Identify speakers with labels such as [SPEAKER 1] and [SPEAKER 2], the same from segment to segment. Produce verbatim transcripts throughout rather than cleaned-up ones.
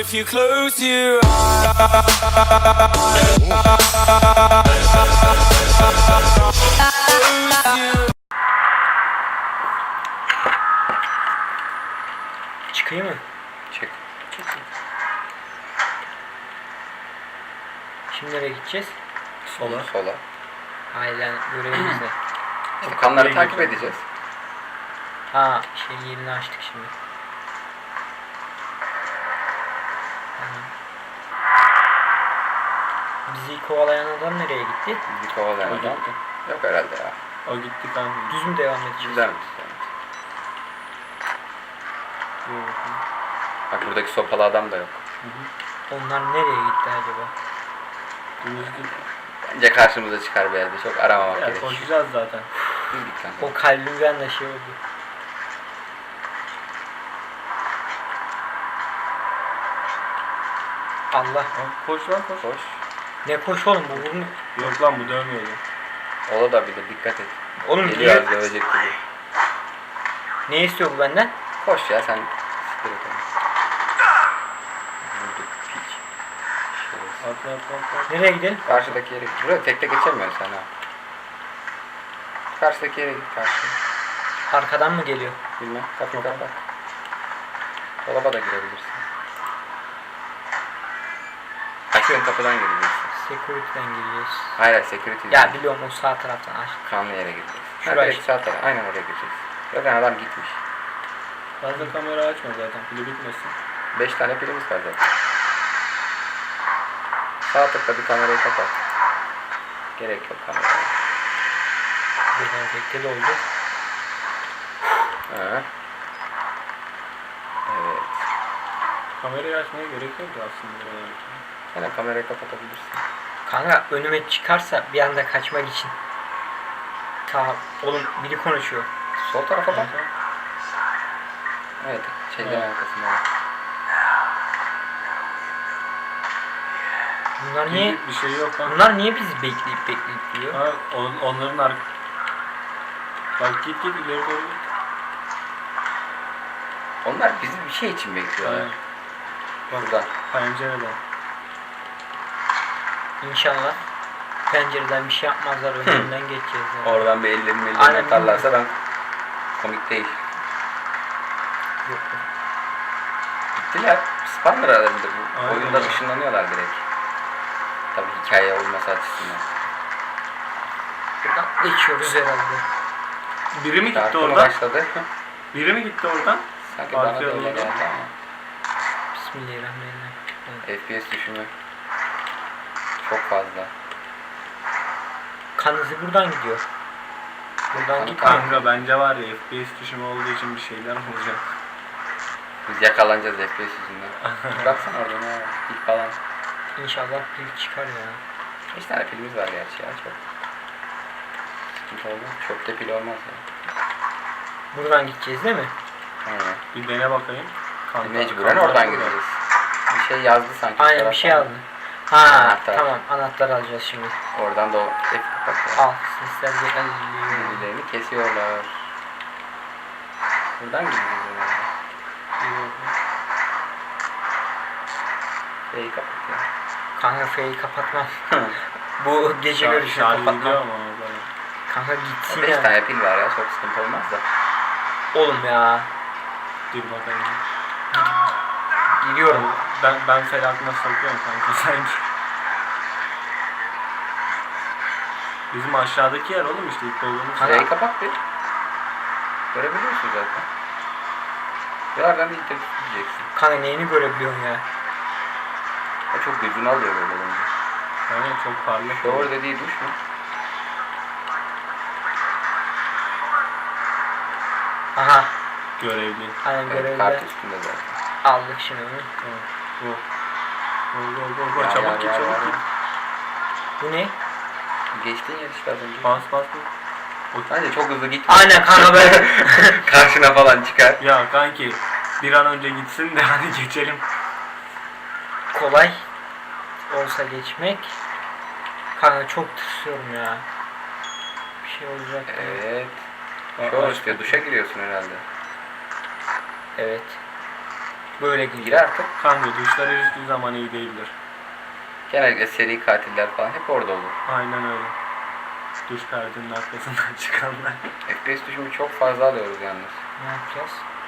[SPEAKER 1] if you close your eyes.
[SPEAKER 2] Çıkayım mı?
[SPEAKER 3] Çık.
[SPEAKER 2] Şimdi nereye gideceğiz?
[SPEAKER 3] Sola. Sola.
[SPEAKER 2] Aynen görevimiz ne?
[SPEAKER 3] İşte kanları takip edeceğiz.
[SPEAKER 2] Ha şey yerini açtık şimdi. Tamam. Bizi kovalayan adam nereye gitti?
[SPEAKER 3] Bizi kovalayan
[SPEAKER 4] O
[SPEAKER 3] adam.
[SPEAKER 4] gitti.
[SPEAKER 3] Yok herhalde ya.
[SPEAKER 4] O gitti kanka.
[SPEAKER 2] Düz mü devam edeceğiz?
[SPEAKER 3] Güzel mi? Bak buradaki sopalı adam da yok.
[SPEAKER 2] Onlar nereye gitti acaba?
[SPEAKER 4] Dümdüz git.
[SPEAKER 3] Bence karşımıza çıkar bir yerde. Çok aramamak
[SPEAKER 4] Ya
[SPEAKER 3] gerekiyor.
[SPEAKER 4] koşacağız zaten.
[SPEAKER 3] Düz git kanka.
[SPEAKER 2] O kalbimden de şey oldu. Allah.
[SPEAKER 4] Ha, koş lan koş.
[SPEAKER 3] Koş.
[SPEAKER 2] Ne koş oğlum bu vurmu.
[SPEAKER 4] Yok lan bu dövmüyordu.
[SPEAKER 3] Ola da bilir. Dikkat et.
[SPEAKER 2] Oğlum
[SPEAKER 3] Geliyor
[SPEAKER 2] niye?
[SPEAKER 3] az dövecek gibi.
[SPEAKER 2] Ne istiyor bu benden?
[SPEAKER 3] Koş ya sen. Siktir et onu. Vurduk piç. Şerefsiz.
[SPEAKER 4] Atla atla atla.
[SPEAKER 2] Nereye gidelim?
[SPEAKER 3] Karşıdaki yere git. Buraya tekte geçemiyorsun sen ha. Karşıdaki yere git karşıya.
[SPEAKER 2] Arkadan mı geliyor?
[SPEAKER 3] Bilmem. Kapıyı kapat. Dolaba da girebilirsin. Açtığın kapıdan gireceksin.
[SPEAKER 2] Security'den gireceğiz.
[SPEAKER 3] Hayır hayır security
[SPEAKER 2] Ya
[SPEAKER 3] değil.
[SPEAKER 2] biliyorum o sağ taraftan aç.
[SPEAKER 3] Kanlı yere gireceksin.
[SPEAKER 2] Şuraya
[SPEAKER 3] Şuraya
[SPEAKER 2] işte.
[SPEAKER 3] sağ tarafa. Aynen oraya gireceksin. Zaten adam gitmiş.
[SPEAKER 4] Fazla kamera açma zaten. Pili bitmesin.
[SPEAKER 3] Beş tane pilimiz var zaten. Sağ tıkla bir kamerayı kapat. Gerek yok kameraya.
[SPEAKER 2] Buradan tekte doldu.
[SPEAKER 3] Ha. Evet.
[SPEAKER 4] Kamerayı açmaya gerek yok ya aslında.
[SPEAKER 3] Sen de kamerayı kapatabilirsin.
[SPEAKER 2] Kanka önüme çıkarsa bir anda kaçmak için. Ta oğlum biri konuşuyor.
[SPEAKER 3] Sol tarafa bak.
[SPEAKER 4] Kanka.
[SPEAKER 3] Evet. Şeyden
[SPEAKER 4] Evet.
[SPEAKER 3] arkasında.
[SPEAKER 2] Bunlar niye
[SPEAKER 4] Bir, bir şey yok kanka.
[SPEAKER 2] bunlar niye bizi bekleyip bekleyip duruyor?
[SPEAKER 4] Ha, on, onların ark... Bak git git ileri doğru git.
[SPEAKER 3] Onlar bizi bir şey için bekliyorlar.
[SPEAKER 4] Aynen. Bak
[SPEAKER 3] Buradan.
[SPEAKER 4] pencereden.
[SPEAKER 2] İnşallah pencereden bir şey yapmazlar önünden geçeceğiz. Yani.
[SPEAKER 3] Oradan bir ellerini ellerini
[SPEAKER 2] Aynen.
[SPEAKER 3] atarlarsa ben komik değil.
[SPEAKER 2] Yok.
[SPEAKER 3] Gittiler. Spawner aralarında bu.
[SPEAKER 4] Aynen
[SPEAKER 3] Oyunda
[SPEAKER 4] öyle.
[SPEAKER 3] ışınlanıyorlar direkt. Tabii hikaye olması açısından.
[SPEAKER 2] Buradan geçiyoruz herhalde.
[SPEAKER 4] Biri mi gitti
[SPEAKER 3] Çarpımı
[SPEAKER 4] oradan?
[SPEAKER 3] başladı.
[SPEAKER 4] Biri mi gitti oradan?
[SPEAKER 3] Sanki bana da
[SPEAKER 4] Arkaya
[SPEAKER 3] öyle
[SPEAKER 4] doğru.
[SPEAKER 3] geldi ama.
[SPEAKER 2] Bismillahirrahmanirrahim. Evet.
[SPEAKER 3] F P S düşümü çok fazla.
[SPEAKER 2] Kan izi buradan gidiyor. Buradan
[SPEAKER 3] Kan-
[SPEAKER 2] gitmiyor.
[SPEAKER 4] Kanka bence var ya F P S düşümü olduğu için bir şeyler olacak.
[SPEAKER 3] Biz yakalanacağız F P S yüzünden. Baksana orada ne var? Pil falan.
[SPEAKER 2] İnşallah pil çıkar ya.
[SPEAKER 3] beş tane pilimiz var gerçi ya çok. Sıkıntı olmaz. Çöpte pil olmaz ya.
[SPEAKER 2] Buradan gideceğiz değil mi?
[SPEAKER 3] Aynen.
[SPEAKER 4] Bir dene bakayım. Kanka,
[SPEAKER 3] Mecburen
[SPEAKER 4] kanka
[SPEAKER 3] oradan
[SPEAKER 4] burada.
[SPEAKER 3] gideceğiz. Bir şey yazdı sanki. bu
[SPEAKER 2] Aynen bir şey
[SPEAKER 3] taraftan.
[SPEAKER 2] aldım. Ha
[SPEAKER 3] Anahtar.
[SPEAKER 2] tamam anahtar alacağız şimdi.
[SPEAKER 3] Oradan da o F kapatıyor.
[SPEAKER 2] Al sesler geliyor.
[SPEAKER 3] Birbirlerini kesiyorlar. Buradan gideceğiz herhalde. F'yi kapatıyor.
[SPEAKER 2] Kanka F'yi kapatmam. Bu gece
[SPEAKER 4] Şar-
[SPEAKER 2] görüşünü
[SPEAKER 4] şarj gidiyor
[SPEAKER 2] kapatmam.
[SPEAKER 4] ama orada.
[SPEAKER 2] Kanka gitsin
[SPEAKER 3] beş
[SPEAKER 2] ya.
[SPEAKER 3] tane pil var ya çok sıkıntı olmaz da.
[SPEAKER 2] Oğlum ya.
[SPEAKER 4] Dur bakalım.
[SPEAKER 2] Gidiyorum.
[SPEAKER 4] Ben ben felakına sokuyorum kanka sen. Bizim aşağıdaki yer oğlum işte ilk dolduğumuz
[SPEAKER 2] Kanka-
[SPEAKER 4] yer.
[SPEAKER 3] F'yi kapat bir. Görebiliyorsun zaten. Birazdan bir internet diyeceksin.
[SPEAKER 2] Kanka neyini görebiliyorsun ya?
[SPEAKER 3] O çok gözünü alıyor böyle olunca.
[SPEAKER 4] Aynen çok parlak.
[SPEAKER 3] Shower dediği duş mu?
[SPEAKER 2] Aha.
[SPEAKER 4] Görevli.
[SPEAKER 2] Aynen
[SPEAKER 3] Evet,
[SPEAKER 2] görevde.
[SPEAKER 3] kart üstünde zaten.
[SPEAKER 2] Aldık şimdi onu.
[SPEAKER 4] Tamam. Bu. Go go go go
[SPEAKER 3] Ya,
[SPEAKER 4] çabuk
[SPEAKER 3] ya,
[SPEAKER 4] git
[SPEAKER 3] ya,
[SPEAKER 4] çabuk
[SPEAKER 3] ya.
[SPEAKER 4] git.
[SPEAKER 2] Bu ne?
[SPEAKER 3] Geçtiğin yer işte az önce.
[SPEAKER 4] Bas bas bas.
[SPEAKER 3] Bence çok hızlı gitme.
[SPEAKER 2] Aynen kanka böyle.
[SPEAKER 3] Karşına falan çıkar.
[SPEAKER 4] Ya kanki bir an önce gitsin de hani geçelim.
[SPEAKER 2] Kolay olsa geçmek. Kanka çok tırsıyorum ya. Bir şey olacak. diye.
[SPEAKER 3] Evet.
[SPEAKER 4] Aa,
[SPEAKER 3] Shower
[SPEAKER 4] aç
[SPEAKER 3] istiyor.
[SPEAKER 4] kapıyı.
[SPEAKER 3] Duşa giriyorsun herhalde.
[SPEAKER 2] Evet. Böyle
[SPEAKER 3] Gir
[SPEAKER 2] girer.
[SPEAKER 3] artık.
[SPEAKER 4] Kanka duşlar hiçbir zaman iyi değildir.
[SPEAKER 3] Genellikle seri katiller falan hep orada olur.
[SPEAKER 4] Aynen öyle. Duş perdenin arkasından çıkanlar.
[SPEAKER 3] F P S düşümü çok fazla alıyoruz yalnız.
[SPEAKER 2] Ne yapacağız?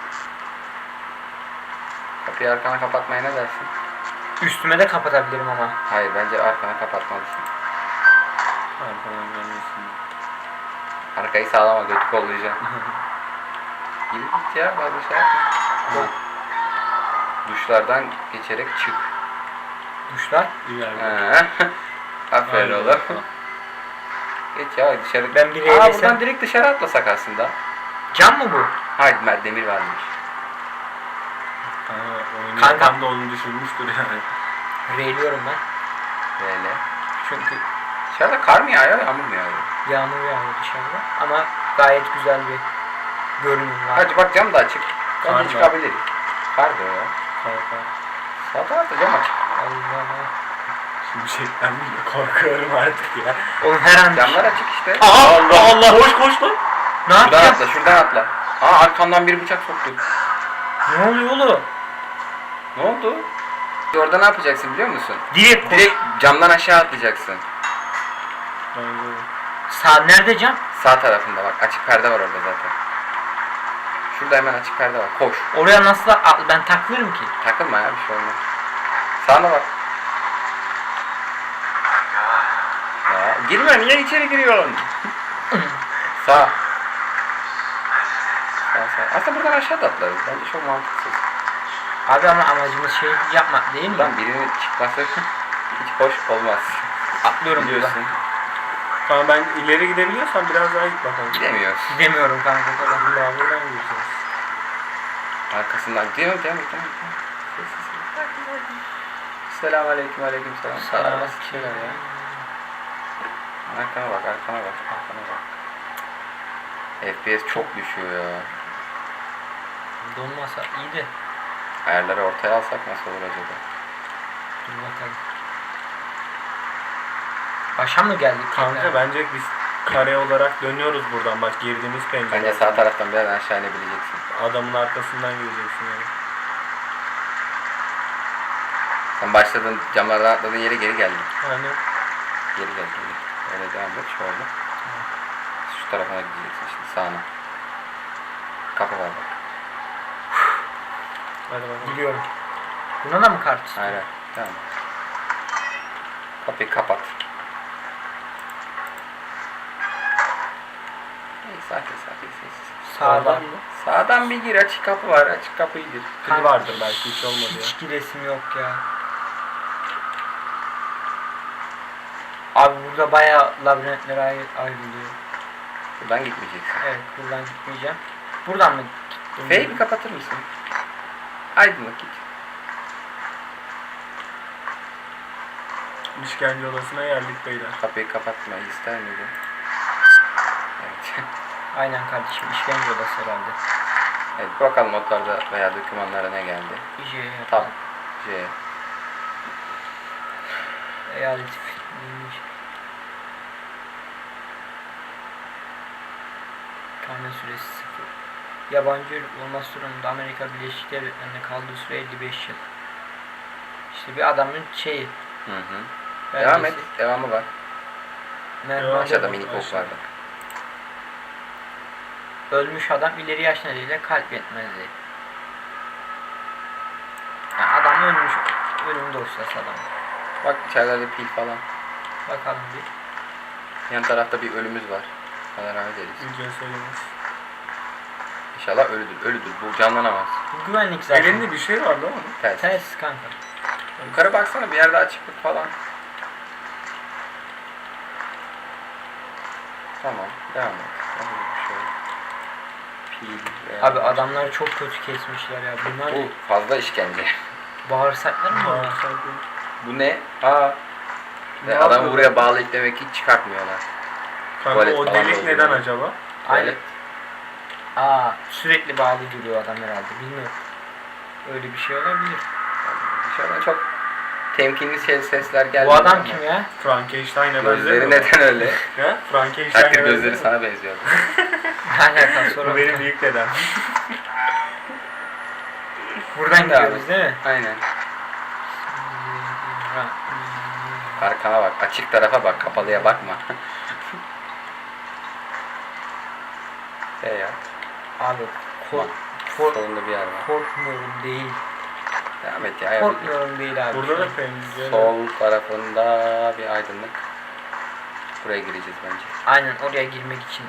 [SPEAKER 3] Kapıyı arkana kapatmaya ne dersin?
[SPEAKER 2] Üstüme de kapatabilirim ama.
[SPEAKER 3] Hayır, bence arkana kapatmalısın.
[SPEAKER 4] Arkadan gelmesin.
[SPEAKER 3] Arkayı sağlama, götü kollayacaksın. Gir git ya, fazla şey yapma.
[SPEAKER 2] Yok.
[SPEAKER 3] Duşlardan geçerek çık.
[SPEAKER 2] Duşlar.
[SPEAKER 4] İleride.
[SPEAKER 3] Ha. Aferin
[SPEAKER 4] Aynen.
[SPEAKER 3] oğlum. Geç ya dışarı.
[SPEAKER 2] Ben bir
[SPEAKER 3] Aa,
[SPEAKER 2] eğlesem-
[SPEAKER 3] buradan direkt dışarı atlasak aslında.
[SPEAKER 2] Cam mı bu?
[SPEAKER 3] Hayır, Mert Demir varmış.
[SPEAKER 4] Kanka oyunu
[SPEAKER 2] Kanka.
[SPEAKER 4] yapan da onu düşünmüştür yani.
[SPEAKER 2] Reyliyorum ben.
[SPEAKER 3] Böyle.
[SPEAKER 2] Çünkü
[SPEAKER 3] Dışarıda kar mı yağıyor, yağmur mu yağıyor?
[SPEAKER 2] yağmur yağıyor dışarıda. Ama gayet güzel bir görünüm var.
[SPEAKER 3] Hadi bak, cam da açık.
[SPEAKER 4] Kar
[SPEAKER 3] Bence
[SPEAKER 4] mı?
[SPEAKER 3] çıkabiliriz. Kar da ya.
[SPEAKER 4] Kanka.
[SPEAKER 3] Sağ tarafta cam açık.
[SPEAKER 2] Allah.
[SPEAKER 4] Şimşekten bile korkuyorum artık ya.
[SPEAKER 2] Oğlum her an...
[SPEAKER 3] Camlar açık işte.
[SPEAKER 2] Aa, Allah Allah.
[SPEAKER 4] Koş koş lan.
[SPEAKER 2] Ne
[SPEAKER 3] Şuradan
[SPEAKER 2] yapacağız?
[SPEAKER 3] atla, şuradan atla. Aa, arkamdan bir bıçak soktu.
[SPEAKER 2] Ne oluyor oğlum?
[SPEAKER 3] Ne oldu? Orada ne yapacaksın biliyor musun?
[SPEAKER 2] Direkt koş.
[SPEAKER 3] Direkt camdan aşağı atlayacaksın.
[SPEAKER 4] Bence
[SPEAKER 2] Sağ nerede cam?
[SPEAKER 3] Sağ tarafında bak, açık perde var orada zaten. Şurada hemen açık perde var. Koş.
[SPEAKER 2] Oraya nasıl atla? Ben takılırım ki.
[SPEAKER 3] Takılma ya, bir şey olmaz. Sağına bak. Ya girme, niye içeri giriyorsun? Sağ. Sağ sağ. Aslında buradan aşağı da atlarız. Bence çok mantıksız.
[SPEAKER 2] Abi ama amacımız şey yapmak değil mi?
[SPEAKER 3] Buradan birinin çıkması hiç hoş olmaz.
[SPEAKER 2] Atlıyorum buradan.
[SPEAKER 3] Biliyorsun.
[SPEAKER 4] Kanka ben ileri gidebiliyorsam biraz daha git bakalım.
[SPEAKER 3] Gidemiyoruz.
[SPEAKER 2] Gidemiyorum kanka.
[SPEAKER 4] Allah buradan gireceğiz.
[SPEAKER 3] Arkasından gidiyor, devam et, devam et. Selamun aleyküm, aleyküm selam. Selam. Nasıl şeyler ya? Arkana bak, arkana bak, arkana bak. F P S çok düşüyor ya.
[SPEAKER 2] Donmasa iyi de.
[SPEAKER 3] Ayarları ortaya alsak nasıl olur acaba?
[SPEAKER 2] Dur bakalım. Başa mı geldik?
[SPEAKER 4] Kanka
[SPEAKER 2] tekrar?
[SPEAKER 4] bence biz kare olarak dönüyoruz buradan. Bak girdiğimiz pencere.
[SPEAKER 3] Bence sağ taraftan biraz aşağı inebileceksin.
[SPEAKER 4] Adamın arkasından gireceksin yani.
[SPEAKER 3] Sen başladın, camlardan atladığın yere geri geldin.
[SPEAKER 4] Hani
[SPEAKER 3] Geri gel, geri. Öyle devam et, şöyle. Şu tarafına gideceksin şimdi, sağına. Kapı var bak.
[SPEAKER 4] hadi bakalım.
[SPEAKER 2] Biliyorum. Buna da mı kart istiyor?
[SPEAKER 3] Hayır, hayır. Tamam. Kapıyı kapat. İyi, sakin sakin sessiz.
[SPEAKER 2] Sağdan.
[SPEAKER 3] Sağdan bir gir, açık kapı var, açık kapıyı gir.
[SPEAKER 4] Kili vardır belki, hiç olmadı ya.
[SPEAKER 2] Hiç giresim yok ya. Abi burada bayağı labirentler ayr ayrılıyor.
[SPEAKER 3] Buradan gitmeyeceksin.
[SPEAKER 2] Evet, buradan gitmeyeceğim. Buradan mı gittim?
[SPEAKER 3] F'yi bir kapatır mısın? Aydınlık git.
[SPEAKER 4] İşkence odasına geldik beyler.
[SPEAKER 3] Kapıyı kapatmayı ister miydin? Evet.
[SPEAKER 2] Aynen kardeşim, işkence odası herhalde.
[SPEAKER 3] Evet, bakalım notlarda veya dokümanlara ne geldi.
[SPEAKER 2] Bir şey
[SPEAKER 3] Tab.
[SPEAKER 2] yapalım.
[SPEAKER 3] C.
[SPEAKER 2] Eyalet neymiş? Kalma süresi sıfır. Yabancı ırk olması durumunda Amerika Birleşik Devletleri'nde kaldığı süre elli beş yıl. İşte bir adamın şeyi.
[SPEAKER 3] Hı hı.
[SPEAKER 2] belgesi.
[SPEAKER 3] Devam et. Devamı var.
[SPEAKER 2] Merhaba.
[SPEAKER 4] Devam.
[SPEAKER 3] Aşağıda minik ok
[SPEAKER 4] Aşağı.
[SPEAKER 3] var bak.
[SPEAKER 2] Ölmüş adam ileri yaş nedeniyle kalp yetmezliği. Yani adam ölmüş. Ölüm dosyası adam.
[SPEAKER 3] Bak içeride pil falan.
[SPEAKER 2] Bakalım bir.
[SPEAKER 3] Yan tarafta bir ölümüz var. Allah rahmet eylesin.
[SPEAKER 4] Ücret söylemez.
[SPEAKER 3] İnşallah ölüdür. Ölüdür. Bu canlanamaz.
[SPEAKER 2] Bu güvenlik zaten.
[SPEAKER 4] Elinde bir şey var değil mi?
[SPEAKER 3] Ters.
[SPEAKER 2] Ters kanka.
[SPEAKER 3] Yukarı baksana, bir yerde açıklık falan. Tamam. Devam et. Hadi bir şey. Pil veya-
[SPEAKER 2] Abi adamları çok kötü kesmişler ya. Bunlar
[SPEAKER 3] Bu fazla işkence.
[SPEAKER 2] bağırsaklar mı var?
[SPEAKER 3] Bu ne? Aa. Ve
[SPEAKER 4] Ne
[SPEAKER 3] adamı
[SPEAKER 4] yapıyor?
[SPEAKER 3] buraya bağlayıp demek ki hiç çıkartmıyorlar.
[SPEAKER 4] Kanka
[SPEAKER 3] Tuvalet
[SPEAKER 4] o
[SPEAKER 3] falan
[SPEAKER 4] delik
[SPEAKER 3] da
[SPEAKER 4] neden
[SPEAKER 3] oluyor.
[SPEAKER 4] acaba?
[SPEAKER 2] Aynen. Aa, sürekli bağlı duruyor adam herhalde. Bilmiyorum. Öyle bir şey olabilir.
[SPEAKER 3] Dışarıdan çok temkinli ses- sesler geldi.
[SPEAKER 2] Bu adam kim ya?
[SPEAKER 4] Frankenstein'e
[SPEAKER 3] Gözleri
[SPEAKER 4] benzemiyor mu?
[SPEAKER 3] neden öyle?
[SPEAKER 4] He? Frankenstein'e
[SPEAKER 3] Takdir gözleri
[SPEAKER 4] benzemiyor mu?
[SPEAKER 3] sana benziyordu.
[SPEAKER 2] Ne alakası
[SPEAKER 4] Bu
[SPEAKER 2] var?
[SPEAKER 4] benim büyük dedem.
[SPEAKER 2] Buradan
[SPEAKER 3] Şimdi abi.
[SPEAKER 2] gidiyoruz değil mi?
[SPEAKER 3] Aynen. Arkana bak. Açık tarafa bak. Kapalıya bakma. Şey ya.
[SPEAKER 2] Abi kork,
[SPEAKER 3] Bak.
[SPEAKER 2] kork,
[SPEAKER 3] Solunda bir yer var.
[SPEAKER 2] korkmuyorum değil.
[SPEAKER 3] Devam et ya. yapacak.
[SPEAKER 2] Korkmuyorum değil abi.
[SPEAKER 4] Burada da pencere.
[SPEAKER 3] Sol tarafında bir aydınlık. Buraya gireceğiz bence.
[SPEAKER 2] Aynen oraya girmek için.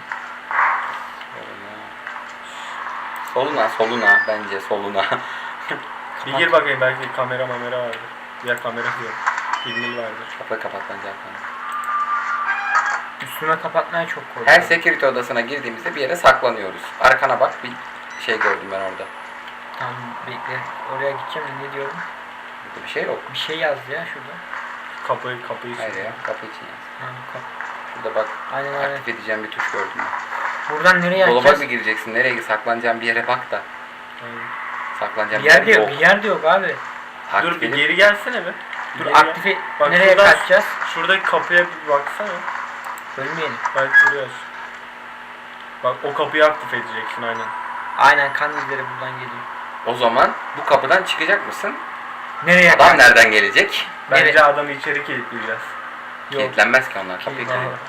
[SPEAKER 3] Soluna. Soluna, soluna. Bence soluna.
[SPEAKER 4] Bir gir bakayım, belki kamera mamera vardır. Ya kamera diyor. Filmil vardır.
[SPEAKER 3] Kapı kapat bence arkana.
[SPEAKER 2] Üstüme kapatmaya çok korkuyorum.
[SPEAKER 3] Her security odasına girdiğimizde bir yere saklanıyoruz. Arkana bak, bir şey gördüm ben orada.
[SPEAKER 2] Tamam bekle. Oraya gideceğim de ne diyorum?
[SPEAKER 3] Burada bir şey yok.
[SPEAKER 2] Bir şey yazdı ya şurada.
[SPEAKER 4] Kapıyı kapıyı
[SPEAKER 3] Hayır
[SPEAKER 4] sürüyor.
[SPEAKER 3] ya, kapı için yaz.
[SPEAKER 2] Ha, kap.
[SPEAKER 3] Şurada bak,
[SPEAKER 2] Aynen aynen.
[SPEAKER 3] aktif edeceğim bir tuş gördüm ben.
[SPEAKER 2] Buradan nereye
[SPEAKER 3] Dolaba
[SPEAKER 2] açacağız?
[SPEAKER 3] mı gireceksin? Nereye saklanacağın bir yere bak da.
[SPEAKER 4] Aynen.
[SPEAKER 3] Saklanacağın
[SPEAKER 2] Bir yer de yok. Bir yer de yok abi.
[SPEAKER 3] Takip
[SPEAKER 4] Dur bir
[SPEAKER 3] edip-
[SPEAKER 4] geri gelsene be.
[SPEAKER 2] Dur
[SPEAKER 4] Geri gel.
[SPEAKER 2] aktif
[SPEAKER 4] Bak
[SPEAKER 2] nereye
[SPEAKER 4] şuradan-
[SPEAKER 2] kaçacağız?
[SPEAKER 4] Şuradaki kapıya bir baksana.
[SPEAKER 2] Ölmeyelim.
[SPEAKER 4] Bak buraya aç. Bak o kapıyı aktif edeceksin aynen.
[SPEAKER 2] Aynen kan izleri buradan geliyor.
[SPEAKER 3] O zaman bu kapıdan çıkacak mısın?
[SPEAKER 2] Nereye
[SPEAKER 3] Adam nereden gelecek?
[SPEAKER 4] Bence
[SPEAKER 2] Evet.
[SPEAKER 4] adamı içeri kilitleyeceğiz.
[SPEAKER 2] Yok.
[SPEAKER 3] Kilitlenmez ki onlar. Kapıyı
[SPEAKER 2] Aha.
[SPEAKER 3] kırıyor.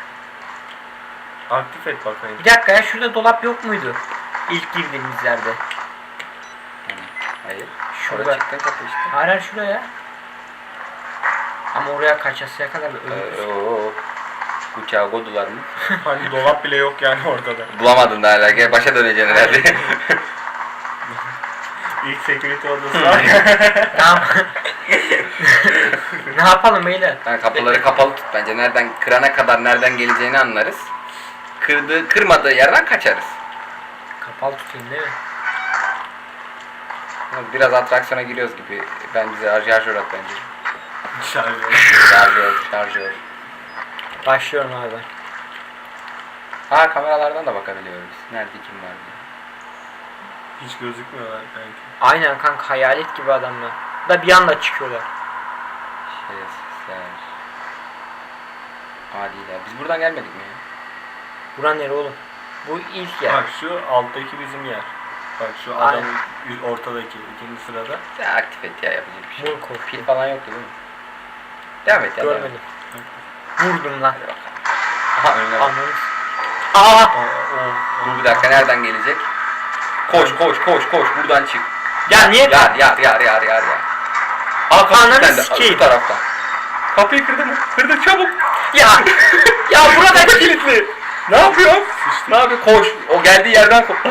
[SPEAKER 4] Aktif et bakayım.
[SPEAKER 2] Bir dakika ya şurada dolap yok muydu? İlk girdiğimiz yerde.
[SPEAKER 3] Yani, hayır.
[SPEAKER 2] Şurada.
[SPEAKER 3] Şurada çıktın kapı işte.
[SPEAKER 2] Hayır hayır şuraya. Ama oraya kaçasıya kadar bir ölürüz.
[SPEAKER 3] Ee, oo. Uçağı kodular mı?
[SPEAKER 4] Hani dolap bile yok yani ortada.
[SPEAKER 3] Bulamadın da hala. Gel başa döneceksin herhalde.
[SPEAKER 4] İlk security odası var.
[SPEAKER 2] Tamam. Ne yapalım beyler?
[SPEAKER 3] Yani kapıları kapalı tut bence. Nereden kırana kadar nereden geleceğini anlarız. Kırdığı, kırmadığı yerden kaçarız.
[SPEAKER 2] Kapalı tutayım değil mi?
[SPEAKER 3] Biraz atraksiyona giriyoruz gibi. Ben bize şarjör at bence.
[SPEAKER 4] Şarjör.
[SPEAKER 3] Şarjör, şarjör.
[SPEAKER 2] Başlıyorum abi.
[SPEAKER 3] Ha kameralardan da bakabiliyoruz. Nerede kim var diye.
[SPEAKER 4] Hiç gözükmüyorlar belki.
[SPEAKER 2] Aynen kanka hayalet gibi adamlar. Da bir anda çıkıyorlar.
[SPEAKER 3] Şerefsizler. Adiler. Biz buradan gelmedik mi ya?
[SPEAKER 2] Bura nere oğlum? Bu ilk yer.
[SPEAKER 4] Bak şu alttaki bizim yer. Bak şu
[SPEAKER 2] Aynen.
[SPEAKER 4] adamın ü- ortadaki ikinci sırada.
[SPEAKER 3] Ya aktif et ya, yapacak bir şey yok.
[SPEAKER 2] Mor korku.
[SPEAKER 3] Pil falan yoktu değil mi? Devam et ya. devam et.
[SPEAKER 2] Görmedim. Vurdum lan.
[SPEAKER 3] Hadi bakalım. Aha önüne bak.
[SPEAKER 2] Anladın. Aa!
[SPEAKER 4] O, o,
[SPEAKER 3] Dur bir dakika, nereden gelecek? Koş koş koş koş, buradan çık.
[SPEAKER 2] Ya niye?
[SPEAKER 3] Yar yar yar yar yar yar. Aa kapı
[SPEAKER 2] Ananı
[SPEAKER 3] kilitlendi.
[SPEAKER 2] sikeyim.
[SPEAKER 3] Bu taraftan. Kapıyı kırdı mı? Kırdı çabuk.
[SPEAKER 2] Ya! Ya burada
[SPEAKER 3] Kapı kilitli. Ne yapıyor? Ne yapıyor? Koş. O geldiği yerden koş.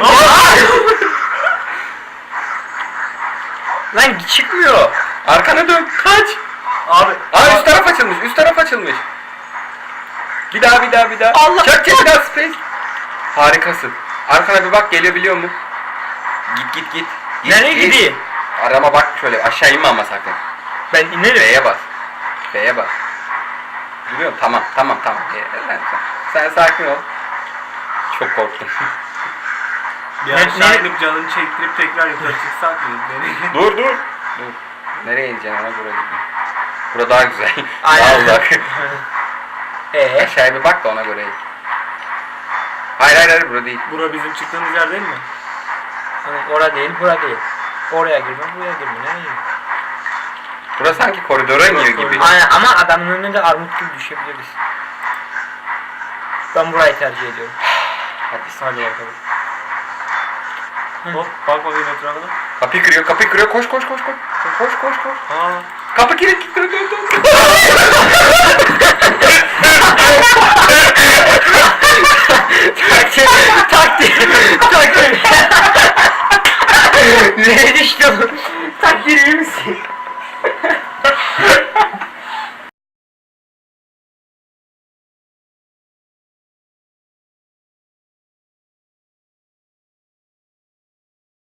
[SPEAKER 2] Lan çıkmıyor.
[SPEAKER 3] Arkana dön. Kaç.
[SPEAKER 4] Abi.
[SPEAKER 3] Aa üst taraf açılmış. Üst taraf açılmış. Bir daha bir daha bir daha.
[SPEAKER 2] Allah!
[SPEAKER 3] Çak çak bir daha space. Harikasın. Arkana bir bak, geliyor biliyor mu? Git git git. Git,
[SPEAKER 2] Nereye
[SPEAKER 3] git.
[SPEAKER 2] gideyim?
[SPEAKER 3] Arama bak şöyle, aşağı inme ama sakın.
[SPEAKER 2] Ben inerim.
[SPEAKER 3] B'ye bas. B'ye bas. Görüyor musun? Tamam tamam tamam. Ee, Sen, sen sakin ol. Çok korktum.
[SPEAKER 4] Bir
[SPEAKER 2] Ne-
[SPEAKER 4] aşağı
[SPEAKER 2] ne-
[SPEAKER 4] inip canını çektirip tekrar yukarı çıksak mı? Nereye?
[SPEAKER 3] dur dur. Dur. Nereye ineceksin, ona göre gitme. Bura daha güzel.
[SPEAKER 2] Aynen.
[SPEAKER 3] Daha uzak.
[SPEAKER 2] Ee,
[SPEAKER 3] Aşağıya bir bak da ona göre in. Hayır hayır hayır, bura değil.
[SPEAKER 4] Bura bizim çıktığımız yer değil mi?
[SPEAKER 2] hani ora değil, bura değil. Oraya girme, buraya girme. Nereye girme?
[SPEAKER 3] Bura sanki koridora iniyor gibi.
[SPEAKER 4] koridor.
[SPEAKER 2] Aynen ama adamın önüne de armut gibi düşebiliriz. Ben burayı tercih ediyorum.
[SPEAKER 3] Hadi.
[SPEAKER 4] Hadi bakalım. Hop bak bakayım etrafına.
[SPEAKER 3] Kapıyı kırıyor, kapıyı kırıyor. Koş koş koş koş. Koş koş koş.
[SPEAKER 4] Aa.
[SPEAKER 3] Kapı kilitli. Dön dön dön.